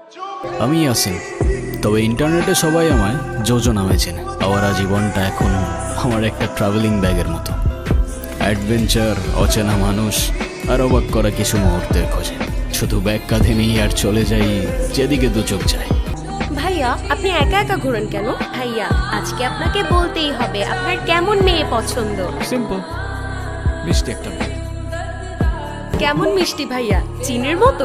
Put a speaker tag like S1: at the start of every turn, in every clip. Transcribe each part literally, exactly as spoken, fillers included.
S1: আমি আসিন, তবে ইন্টারনেটে সবাই আমায় জোজো নামে চেনে। আমার জীবনটা এখন আমার একটা ট্রাভেলিং ব্যাগের মতো। অ্যাডভেঞ্চার, অচেনা মানুষ আর অবাক করা কিছু মুহূর্তের খোঁজে। শুধু ব্যাগ কাঁধে নিয়ে আর চলে যাই যেদিকে দু চোখ যায়।
S2: ভাইয়া, আপনি একা একা ঘোরেন কেন? ভাইয়া, আজকে আপনাকে বলতেই হবে আপনার কেমন মেয়ে পছন্দ।
S1: সিম্পল, মিষ্টি একটা মেয়ে।
S2: কেমন মিষ্টি ভাইয়া? চিনির মতো?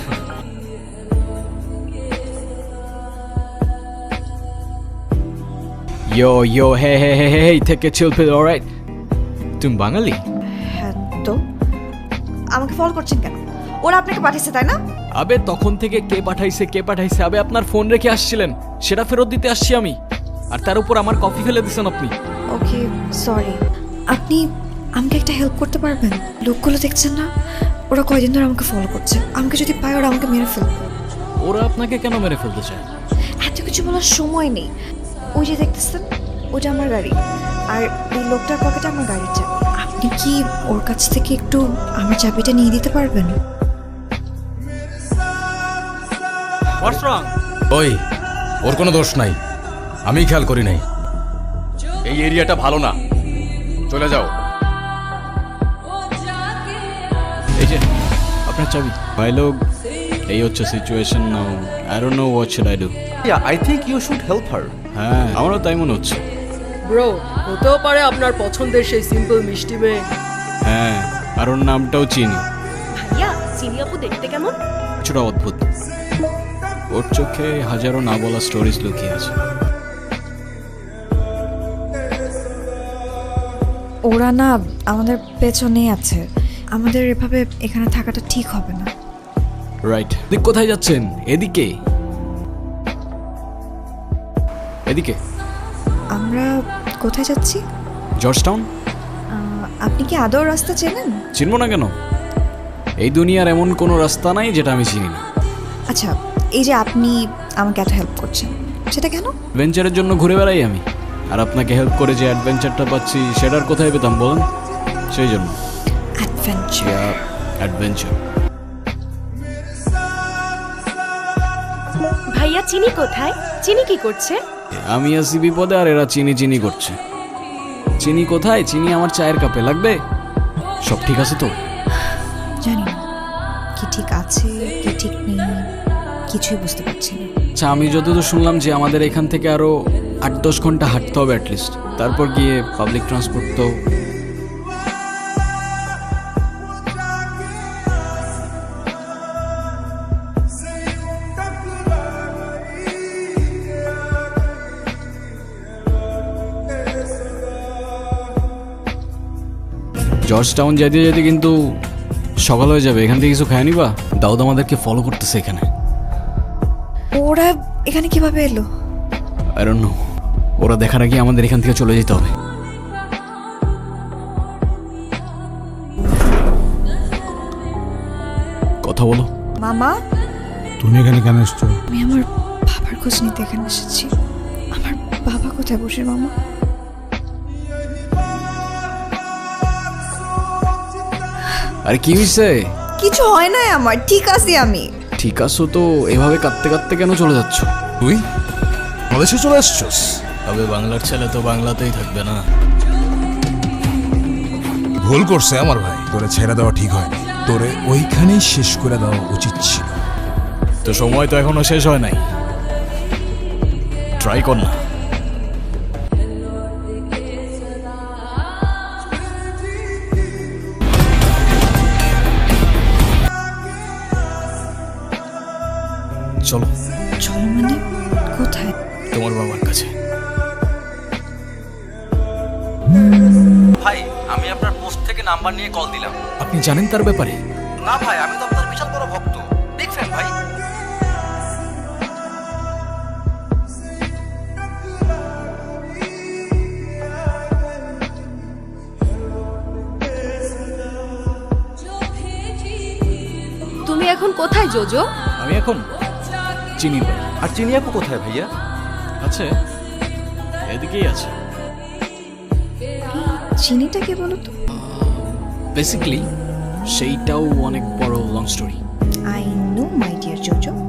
S1: ইয়ো ইয়ো হে হে হে হে থেকে চিল পিল, অলরাইট? তুমি বাঙালি?
S3: হ্যাঁ তো আমাকে ফলো করছেন কেন? ওরা আপনাকে পাঠিয়েছে তাই না?
S1: আবে তখন থেকে কে পাঠাইছে কে পাঠাইছে আবে আপনার ফোন রেখে আসছিলেন, সেটা ফেরত দিতে আসছি আমি। আর তার উপর আমার কফি ফেলে দিছেন আপনি।
S3: Okay sorry. আপনি আমাকে একটা হেল্প করতে পারবেন? লোকগুলো দেখছেন না, ওরা কয়দিন ধরে আমাকে ফলো করছে। আমাকে যদি পায় ওরা আমাকে মেরে ফেলবে।
S1: ওরা আপনাকে কেন মেরে ফেলতে চায়?
S3: এত কিছু বলার সময় নেই। ওই যে দেখতেছেন, ওটা আমার গাড়ি, আর এই লোকটার পকেটে আমার গাড়ির চাবি। আপনি কি ওর কাছ থেকে একটু আমার চাবিটা নিয়ে দিতে পারবেন?
S1: হোয়াটস রং?
S4: ওই ওর কোনো দোষ নাই, আমি খেয়াল করি নাই। এই এরিয়াটা ভালো না, চলে যাও।
S1: এই যে আপনার চাবি। ভাই লোক, এই হচ্ছে situation now. I don't know what should I do.
S5: Yeah, I think you should help her.
S1: হ্যাঁ, আমারও তাই মনে হচ্ছে।
S6: ব্রো, হতেও পারে আপনার পছন্দের সেই সিম্পল মিষ্টি মেয়ে।
S1: হ্যাঁ, আর ওর নামটাও চিনি।
S2: ভাইয়া, চিনি আপু দেখতে কেমন?
S1: কিছুটা অদ্ভুত। ওর চোখে হাজারো না বলা স্টোরিজ লুকিয়ে আছে।
S3: ওরা না আমাদের পেছনেই আছে। আমাদের এভাবে এখানে থাকাটা ঠিক হবে না।
S1: রাইট। দিক কোথায় যাচ্ছেন? এদিকে এদিকে।
S3: আমরা কোথায় যাচ্ছি?
S1: George town.
S3: আহ, আপনি কি আদৌ রাস্তা চেনেন?
S1: চিনব না কেন? এই দুনিয়ার এমন কোনো রাস্তা নাই যেটা আমি চিনি না।
S3: আচ্ছা, এই যে আপনি আমাকে এত হেল্প করছেন, সেটা কেন?
S1: অ্যাডভেঞ্চারের জন্য ঘুরে বেড়াই আমি, আর আপনাকে হেল্প করে যে অ্যাডভেঞ্চারটা পাচ্ছি সেটার কোথায় পেতাম বলেন? সেই জন্য
S3: অ্যাডভেঞ্চার।
S1: অ্যাডভেঞ্চার।
S2: ভাইয়া, চিনি কোথায়? চিনি কি করছে?
S1: আমি আছি বিপদে আর এরা চিনি চিনি করছে। চিনি কোথায়? চিনি আমার চায়ের কাপে। লাগবে? সব ঠিক আছে তো?
S3: জানি না কি ঠিক আছে কি ঠিক নেই, কিছুই বুঝতে পারছি না।
S1: আচ্ছা, আমি যতদূর শুনলাম যে আমাদের এখান থেকে আরো আট দশ ঘন্টা হাঁটতে হবে অ্যাটলিস্ট, তারপর গিয়ে পাবলিক ট্রান্সপোর্ট। তো জর্জ টাউন যেতে যেতে কিন্তু সকাল হয়ে যাবে। এখান থেকে কিছু খায় নিবা? দাউদ আমাদেরকে ফলো করতেছে এখানে।
S3: ওরা এখানে কিভাবে এলো?
S1: I don't know. ওরা দেখার আগে আমাদের এখান থেকে চলে যেতে হবে। কথা বলো।
S3: মামা,
S4: তুমি এখানে কেন এসছো?
S3: আমি আমার বাবার খোঁজ নিতে এখানে এসেছি। আমার বাবা কোথায় বসে মামা?
S1: আরে কি হয়েছে?
S3: কিছু হয় না আমার, ঠিক আছি আমি।
S1: ঠিক আছো তো? এভাবে কাঁদতে কাঁদতে কেন চলে যাচ্ছ?
S4: তুই বাংলাদেশে চলে আসছস?
S1: তবে বাংলার ছেলে তো বাংলাতেই থাকবে না।
S4: ভুল করছে আমার ভাই, তোরে ছেড়ে দেওয়া ঠিক হয়নি, তোরে ওইখানেই শেষ করে দেওয়া উচিত ছিল।
S1: তো সময় তো এখনো শেষ হয় নাই, ট্রাই কর না। চলো।
S3: চলো মানে কোথায়?
S1: তোমার বাবার কাছে।
S5: ভাই, আমি আপনার পোস্ট থেকে নাম্বার নিয়ে কল দিলাম।
S1: আপনি জানেন তার ব্যাপারে?
S5: না ভাই, আমি তো আপনার বিশাল বড় ভক্ত, বিগ ফ্যান ভাই।
S2: তুমি এখন কোথায় জোজো?
S1: আমি এখন চিনির বাড়ি।
S5: আর চিনি আপু কোথায় ভাইয়া?
S1: আছে, এদিকেই আছে।
S3: চিনিটা কে বলো তো?
S1: বেসিক্যালি সেইটাও অনেক বড় long story.
S3: I know my dear JoJo.